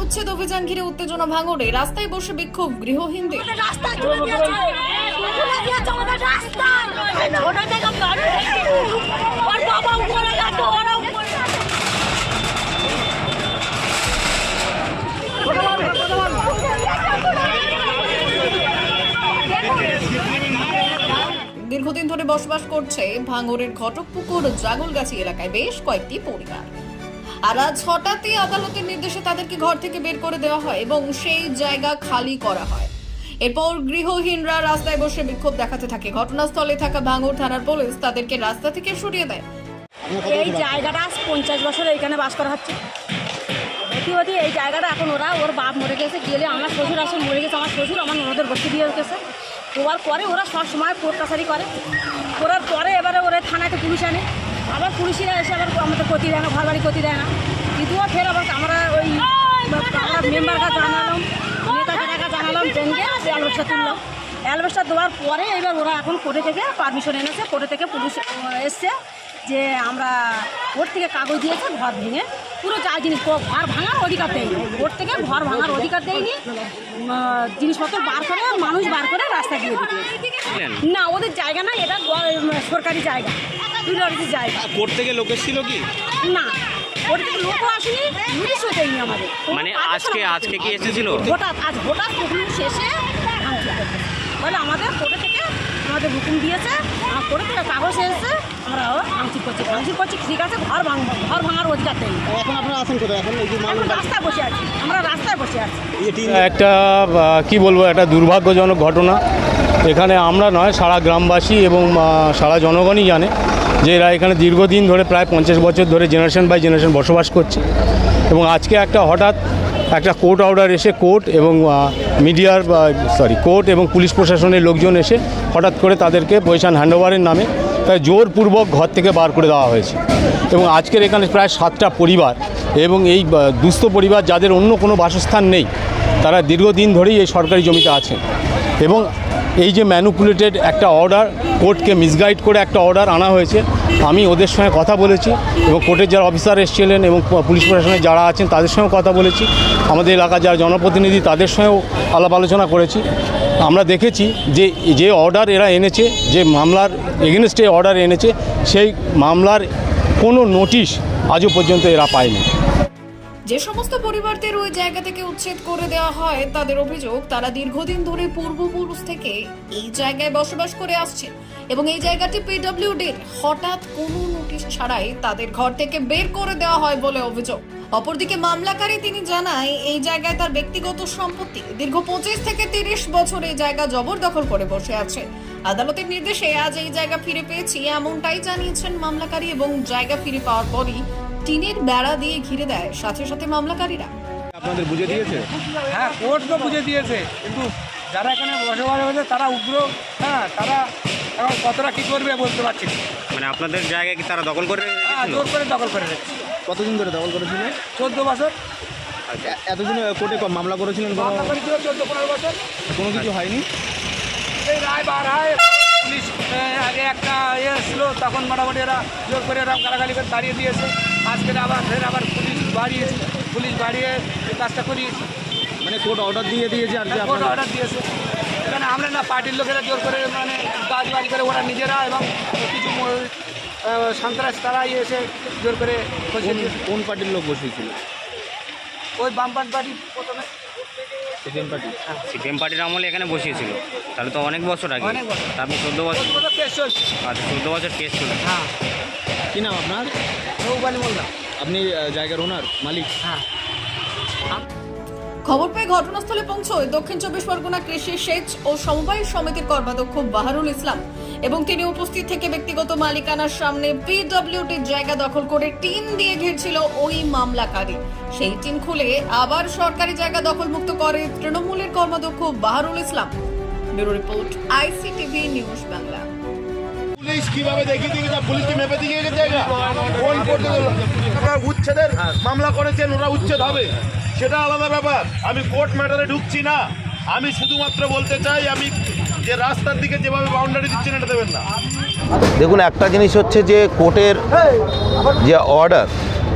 উচ্ছেদ অভিযান ঘিরে উত্তেজনা ভাঙড়ে রাস্তায় বসে বিক্ষোভ গৃহহীনদের। দীর্ঘদিন ধরে বসবাস করছে ভাঙড়ের ঘটকপুকুর জাগলগাছি এলাকায় বেশ কয়েকটি পরিবার। আর আজ হঠাৎই আদালতের নির্দেশে তাদেরকে ঘর থেকে বের করে দেওয়া হয় এবং সেই জায়গা খালি করা হয়। এরপর গৃহহীনরা রাস্তায় বসে বিক্ষোভ দেখাতে থাকে। ঘটনাস্থলে থাকা ভাঙড় থানার পুলিশ তাদেরকে রাস্তা থেকে সরিয়ে দেয়। এই জায়গাটা 50 বছর এইখানে বাস করা হচ্ছে। অতি এই জায়গাটা এখন ওর বাপ মরে গেছে, গেলে আমার শ্বশুর আসলে মরে গেছে, আমার শ্বশুর আমার ননদের বসে দিয়ে গেছে। হওয়ার পরে ওরা সব সময় কোর্ট কাছারি করার পরে এবারে ওরা থানাতে পুলিশ আনে, আবার পুলিশরা এসে আবার আমাদের ক্ষতি দেয় না, ঘর বাড়ি ক্ষতি দেয় না। দ্বিতীয় ফের আবার আমরা ওই মেম্বারকে জানালাম, নেতাকে জানালাম, জেনকে অ্যালবেস্টার তুললাম। অ্যালবেস্টার দেওয়ার পরে এবার ওরা এখন কোর্টে থেকে পারমিশন এনেছে, কোর্টে থেকে পুলিশ এসছে যে আমরা কোর্ট থেকে কাগজ দিয়েছে ঘর ভেঙে পুরো যা জিনিস ঘর ভাঙার অধিকার দেয়নি, কোর্ট থেকে ঘর ভাঙার অধিকার দেয়নি, জিনিসপত্র বার করে মানুষ বার করে রাস্তা দিয়ে দিতে না, ওদের জায়গা না, এটা সরকারি জায়গা, প্রায়োরিটি জায়গা। কোর্ট থেকে লোক এসেছিল কি না, কোর্ট থেকে লোকও আসেনি, নোটিশও দেয়নি আমাদের। মানে আজকে কি এসেছিল? হঠাৎ হুকুম শেষে বলে আমাদের কোর্টে থেকে আমাদের হুকুম দিয়েছে, কোর্টে থেকে কাগজ এসেছে, আমরা ভাঙচুর করছি, ঠিক আছে, ঘর ভাঙার অধিকার দেয়নি। এখন আপনারা আছেন কোথায়? এখন রাস্তায় বসে আছি, আমরা রাস্তায় বসে আছি। একটা কি বলবো, একটা দুর্ভাগ্যজনক ঘটনা। এখানে আমরা নয়, সারা গ্রামবাসী এবং সারা জনগণই জানে যে এরা এখানে দীর্ঘদিন ধরে প্রায় 50 বছর ধরে জেনারেশন বাই জেনারেশন বসবাস করছে। এবং আজকে হঠাৎ একটা কোর্ট অর্ডার এসে কোর্ট এবং কোর্ট এবং পুলিশ প্রশাসনের লোকজন এসে হঠাৎ করে তাদেরকে পজিশন হ্যান্ডওভারের নামে তাই জোরপূর্বক ঘর থেকে বার করে দেওয়া হয়েছে। এবং আজকের এখানে প্রায় 7টা পরিবার এবং এই দুস্থ পরিবার যাদের অন্য কোনো বাসস্থান নেই, তারা দীর্ঘদিন ধরেই এই সরকারি জমিতে আছেন। এবং এই যে ম্যানুপুলেটেড একটা অর্ডার, কোর্টকে মিসগাইড করে একটা অর্ডার আনা হয়েছে, আমি ওদের সঙ্গে কথা বলেছি এবং কোর্টের যারা অফিসার এসেছিলেন এবং পুলিশ প্রশাসনের যারা আছেন তাদের সঙ্গেও কথা বলেছি, আমাদের এলাকার যারা জনপ্রতিনিধি তাদের সঙ্গেও আলাপ আলোচনা করেছি। আমরা দেখেছি যে অর্ডার এরা এনেছে, যে মামলার এগেনস্টে অর্ডার এনেছে, সেই মামলার কোনো নোটিশ আজও পর্যন্ত এরা পায়নি। যে সমস্ত পরিবারদের ওই জায়গা থেকে উচ্ছেদ করে দেওয়া হয় তাদের অভিযোগ তারা দীর্ঘদিন ধরে পূর্বপুরুষ থেকে এই জায়গায় বসবাস করে আসছে এবং এই জায়গাটি পিডব্লিউডির হঠাৎ কোনো নোটিশ ছাড়াই তাদের ঘর থেকে বের করে দেওয়া হয় বলে অভিযোগ। অপরদিকে মামলাকারী তিনি জানায় এই জায়গায় তার ব্যক্তিগত সম্পত্তি, দীর্ঘ 25 থেকে 30 বছর এই জায়গা জবরদখল করে বসে আছে। আদালতের নির্দেশে আজ এই জায়গা ফিরে পেয়েছি এমনটাই জানিয়েছেন মামলাকারী এবং জায়গা ফিরে পাওয়ার পরই টিনের বেড়া দিয়ে ঘিরে দেয় সাথে সাথে মামলাকারীরা। আপনাদের বুঝে দিয়েছে? হ্যাঁ, কোর্ট তো বুঝে দিয়েছে, কিন্তু যারা এখানে বসবাস হয়েছে তারা উগ্র, তারা এখন কতটা কী করবে বলতে পারছি না। মানে আপনাদের জায়গায় কি তারা দখল করে জোর করে দখল করে রেখেছে। কতদিন ধরে দখল করেছিলেন? 14 বছর। এতদিন কোর্টে মামলা করেছিলেন? 14-15 বছর কোনো কিছু হয়নি। এই রায় বার হয়, পুলিশ আগে একটা ছিল, তখন মোটামুটি এরা জোর করে এরা গালাগালি করে দাঁড়িয়ে দিয়েছে। আজকে আবার পুলিশ বাড়িয়ে এই কাজটা করিয়েছে। মানে কোর্ট অর্ডার দিয়েছে আর কোর্ট অর্ডার দিয়েছে। এখানে আমরা না, পার্টির লোকেরা জোর করে মানে কাজবাজ করে ওরা নিজেরা এবং কিছু সন্ত্রাস তারা এসে জোর করে বসিয়ে দিয়েছে। কোন পার্টির লোক বসিয়েছিল? ওই বামপান পার্টি প্রথমে, সিপিএম পার্টির আমলে এখানে বসিয়েছিল। তাহলে তো অনেক বছর আগে। অনেক বছর। আপনি 14 বছর কেস চলছে। আচ্ছা, 14 বছর কেস চলছে। হ্যাঁ। কি নাম আপনার? রৌবালি মোল্লা। আপনি জায়গার ওনার মালিক? হ্যাঁ। খবর পেয়ে ঘটনাস্থলে পৌঁছয় দক্ষিণ 24 পরগনা কৃষি সেচ ও সমবায় সমিতির কর্মাধ্যক্ষ বাহারুল ইসলাম এবং তিনি উপস্থিত থেকে ব্যক্তিগত মালিকানার সামনে পিডব্লিউডির জায়গা দখল করে টিন দিয়ে ঘিরছিল ওই মামলাকারী। সেই টিন খুলে আবার সরকারি জায়গা দখলমুক্ত করে তৃণমূলের কর্মাধ্যক্ষ Baharul Islam. Bureau report, ICTV news Bangla. Police কিভাবে দেখিয়ে দিয়েছে? পুলিশকে মেপে দিয়ে গেছে জায়গা। কোন কোর্টে উচ্ছেদের মামলা করেছেন, ওরা উচ্ছেদ হবে, সেটা আলাদা ব্যাপার। আমি কোর্ট ম্যাটারে ঢুকছি না। আমি শুধুমাত্র বলতে চাই, আমি যে রাস্তার দিকে যেভাবে বাউন্ডারি দিচ্ছেন এটা দেবেন না। দেখুন, একটা জিনিস হচ্ছে যে কোর্টের যে অর্ডার,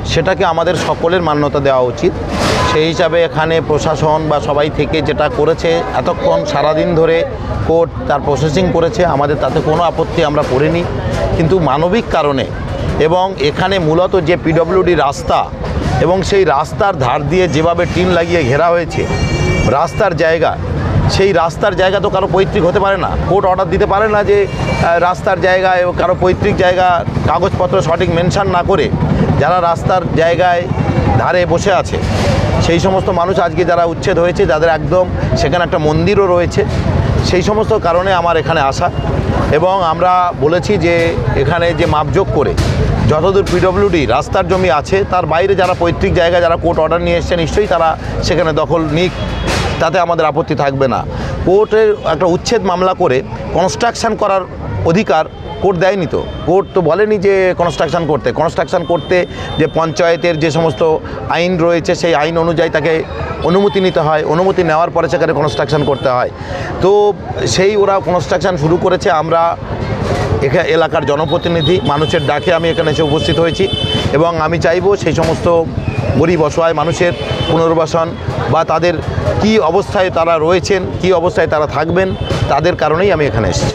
সেটাকে আমাদের সকলের মান্যতা দেওয়া উচিত। সেই হিসাবে এখানে প্রশাসন বা সবাই থেকে যেটা করেছে, এতক্ষণ সারাদিন ধরে কোর্ট তার প্রসেসিং করেছে, আমাদের তাতে কোনো আপত্তি আমরা করিনি। কিন্তু মানবিক কারণে এবং এখানে মূলত যে পিডব্লিউডি রাস্তা এবং সেই রাস্তার ধার দিয়ে যেভাবে টিন লাগিয়ে ঘেরা হয়েছে রাস্তার জায়গা, সেই রাস্তার জায়গা তো কারো পৈতৃক হতে পারে না। কোর্ট অর্ডার দিতে পারে না যে রাস্তার জায়গায় কারো পৈতৃক জায়গা কাগজপত্র সঠিক মেনশন না করে যারা রাস্তার জায়গায় ধারে বসে আছে সেই সমস্ত মানুষ আজকে যারা উচ্ছেদ হয়েছে, যাদের একদম সেখানে একটা মন্দিরও রয়েছে, সেই সমস্ত কারণে আমার এখানে আসা। এবং আমরা বলেছি যে এখানে যে মাপজোক করে যতদূর পিডব্লিউডি রাস্তার জমি আছে তার বাইরে যারা পৈতৃক জায়গা যারা কোর্ট অর্ডার নিয়ে এসছে নিশ্চয়ই তারা সেখানে দখল নিক, তাতে আমাদের আপত্তি থাকবে না। কোর্টের একটা উচ্ছেদ মামলা করে কনস্ট্রাকশন করার অধিকার কোর্ট দেয়নি তো। কোর্ট তো বলেনি যে কনস্ট্রাকশন করতে যে পঞ্চায়েতের যে সমস্ত আইন রয়েছে সেই আইন অনুযায়ী তাকে অনুমতি নিতে হয়, অনুমতি নেওয়ার পরে সেখানে কনস্ট্রাকশন করতে হয়। তো সেই ওরা কনস্ট্রাকশন শুরু করেছে। আমরা এখানে এলাকার জনপ্রতিনিধি, মানুষের ডাকে আমি এখানে এসে উপস্থিত হয়েছি এবং আমি চাইবো সেই সমস্ত গরিব অসহায় মানুষের পুনর্বাসন বা তাদের কী অবস্থায় তারা রয়েছেন, কী অবস্থায় তারা থাকবেন, তাদের কারণেই আমি এখানে এসেছি।